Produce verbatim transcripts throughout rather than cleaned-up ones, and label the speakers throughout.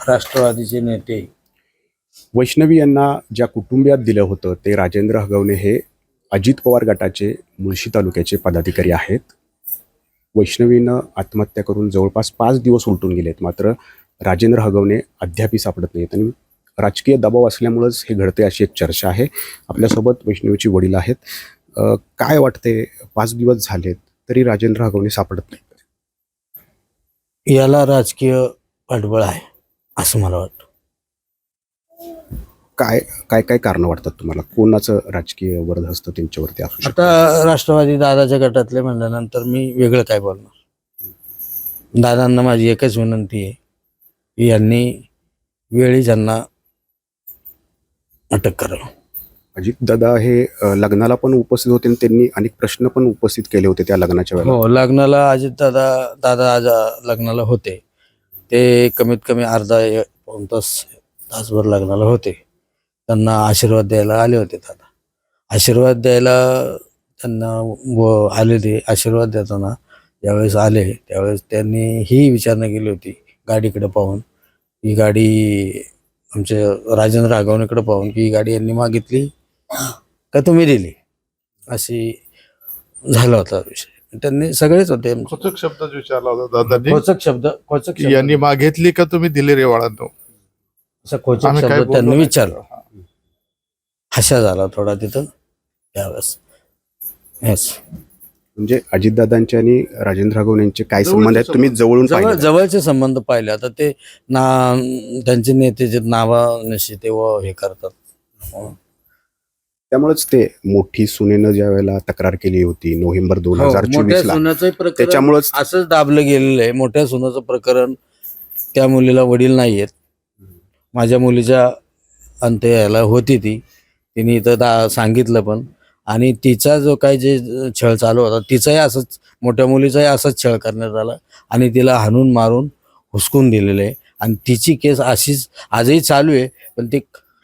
Speaker 1: राष्ट्रवादीचे नेते
Speaker 2: वैष्णवी यांना ज्या कुटुंबियात दिलं होतं ते राजेंद्र हगवणे हे अजित पवार गटाचे मुळशी तालुक्याचे पदाधिकारी आहेत. वैष्णवीनं आत्महत्या करून जवळपास पाच दिवस उलटून गेलेत, मात्र राजेंद्र हगवणे अद्यापही सापडत नाहीत आणि राजकीय दबाव असल्यामुळंच हे घडते अशी एक चर्चा आहे. आपल्यासोबत वैष्णवीची वडील आहेत. अ, काय वाटते, पाच दिवस झालेत तरी राजेंद्र हगवणे सापडत नाहीत?
Speaker 1: याला राजकीय पाठबळ आहे असं मला वाटतं.
Speaker 2: काय काय काय कारणं वाटतात तुम्हाला? कोणाचं राजकीय वरदहस्त त्यांच्यावरती असू शकतं?
Speaker 1: आता राष्ट्रवादी दादाच्या गटातले म्हणल्यानंतर मी वेगळं काय बोलणार. दादांना माझी एकच विनंती आहे की यांनी वेळी त्यांना अटक करावं.
Speaker 2: अजित दादा हे अ, लग्नाला पण उपस्थित होते आणि त्यांनी अनेक प्रश्न पण उपस्थित केले होते त्या लग्नाच्या वेळेला.
Speaker 1: हो, लग्नाला अजित दादा दादा आज लग्नाला होते. ते कमीत कमी अर्धा एक पाऊण तास तासभर लग्नाला होते. त्यांना आशीर्वाद द्यायला आले होते दादा. आशीर्वाद द्यायला त्यांना व आले ते आशीर्वाद देताना ज्यावेळेस आले त्यावेळेस त्यांनी ही विचारणा केली होती गाडीकडे पाहून, ही गाडी आमच्या राजेंद्र हगवणेकडे पाहून की ही गाडी यांनी मागितली का तुम्ही दिली, अशी झाला होता विषय. त्यांनी सगळेच होते
Speaker 3: खोचक शब्दात विचारला होता दादांनी.
Speaker 1: खोचक शब्द खोचक
Speaker 3: की यांनी मागितली का तुम्ही दिले रे वाळांनो,
Speaker 1: असा खोचक
Speaker 3: आम्ही काय
Speaker 1: शब्द
Speaker 3: बोललो
Speaker 1: त्यांनी
Speaker 3: नाही.
Speaker 1: विचारला. हशा झाला थोडा तिथं त्यावेळेस. येस,
Speaker 2: म्हणजे अजितदादांचे आणि राजेंद्र हगवणे यांचे काय संबंध आहेत तुम्ही जवळून
Speaker 1: जवळ
Speaker 2: पाहिले?
Speaker 1: जवळचे संबंध पाहिले. आता ते ना त्यांचे नेते जे नावानिशी ते व हे करतात.
Speaker 2: त्यामुळेच ते मोठी सुनेनं ज्या वेळेला तक्रार केली होती नोव्हेंबर दोन हजार
Speaker 1: हो, मोठ्या
Speaker 2: चोवीस ला,
Speaker 1: सुनाचं प्रकरण
Speaker 2: त्याच्यामुळेच
Speaker 1: असंच दाबलं गेलेलं आहे. मोठ्या सुनाचं प्रकरण, त्या मुलीला वडील नाही आहेत. माझ्या मुलीच्या अंत्य यायला होती ती, तिने इथं दा सांगितलं पण. आणि तिचा जो काय जे छळ चालू होता तिचाही असंच, मोठ्या मुलीचाही असाच छळ करण्यात आला आणि तिला हाणून मारून हुसकून दिलेलं आहे. आणि तिची केस अशीच आजही चालू आहे, पण ती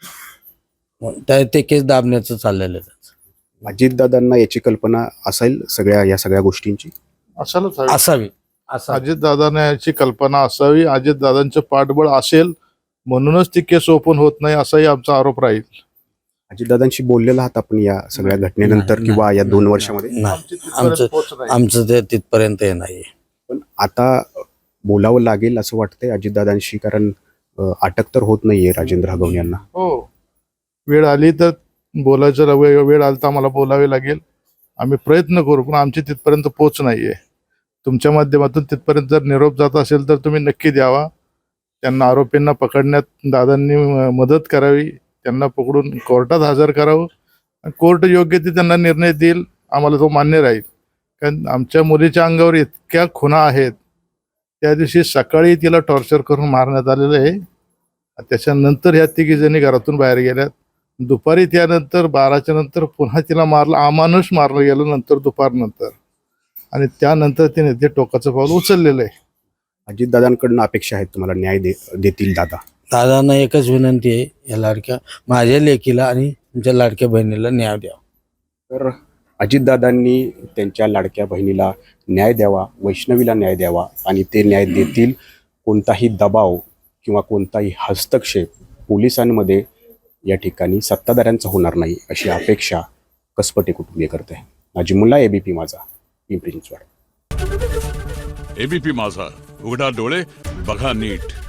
Speaker 1: त्या ते केस दाबण्याचं चाललेलं आहे.
Speaker 2: अजितदादांना याची कल्पना असेल सगळ्या या सगळ्या गोष्टींची?
Speaker 3: असायलाच हवी.
Speaker 1: असावी असा
Speaker 3: अजित दादाने याची कल्पना असावी, अजित दादांचं पाठबळ असेल म्हणूनच ती केस ओपन होत नाही असाही आमचा आरोप राहील.
Speaker 2: अजितदादांशी बोललेला आहात आपण या सगळ्या घटनेनंतर
Speaker 1: नाही,
Speaker 2: किंवा या
Speaker 1: नाही,
Speaker 2: दोन
Speaker 1: नाही,
Speaker 2: वर्षामध्ये?
Speaker 1: नाही.
Speaker 3: आमची तिथपर्यंत
Speaker 1: आमचं
Speaker 3: पोहोच नाही.
Speaker 1: आमचं ते तिथपर्यंत हे नाही.
Speaker 2: पण आता बोलावं लागेल असं वाटतंय अजितदादांशी, कारण अ, अटक तर होत नाहीये राजेंद्र हगवणे यांना.
Speaker 3: हो, वेळ आली तर बोलायचं, वेळ वेळ आली तर आम्हाला बोलावे लागेल. आम्ही प्रयत्न करू, पण आमची तिथपर्यंत पोच नाहीये. तुमच्या माध्यमातून तिथपर्यंत जर निरोप जात असेल तर तुम्ही नक्की द्यावा. त्यांना, आरोपींना पकडण्यात दादांनी मदत करावी, त्यांना पकडून कोर्टात हजर करावं. कोर्ट योग्य ते त्यांना निर्णय देईल, आम्हाला तो मान्य राहील. कारण आमच्या मुलीच्या अंगावर इतक्या खुणा आहेत. त्या दिवशी सकाळी तिला टॉर्चर करून मारण्यात आलेलं आहे. त्याच्यानंतर ह्या तिघी जणी घरातून बाहेर गेल्यात. दुपारी त्यानंतर बाराच्या नंतर पुन्हा तिला मारलं, अमानुष मारलं गेलं नंतर दुपारनंतर. आणि त्यानंतर तिने ते टोकाचं पाऊल उचललेलं आहे.
Speaker 2: अजितदादांकडून अपेक्षा आहेत तुम्हाला, न्याय दे देतील दादा?
Speaker 1: दादांना एकच विनंती आहे, या लाडक्या माझ्या लेकीला आणि तुमच्या लाडक्या बहिणीला न्याय द्या.
Speaker 2: तर अजितदादांनी त्यांच्या लाडक्या बहिणीला न्याय द्यावा, वैष्णवीला न्याय द्यावा आणि ते न्याय देतील. कोणताही दबाव किंवा कोणताही हस्तक्षेप पोलिसांमध्ये या ठिकाणी सत्ताधाऱ्यांचा होणार नाही अशी अपेक्षा कसपटे कुटुंबीय करते. नाजिमुल्ला, एबीपी माझा, पिंपरी चिंचवड.
Speaker 4: एबीपी माझा, उघडा डोळे बघा नीट.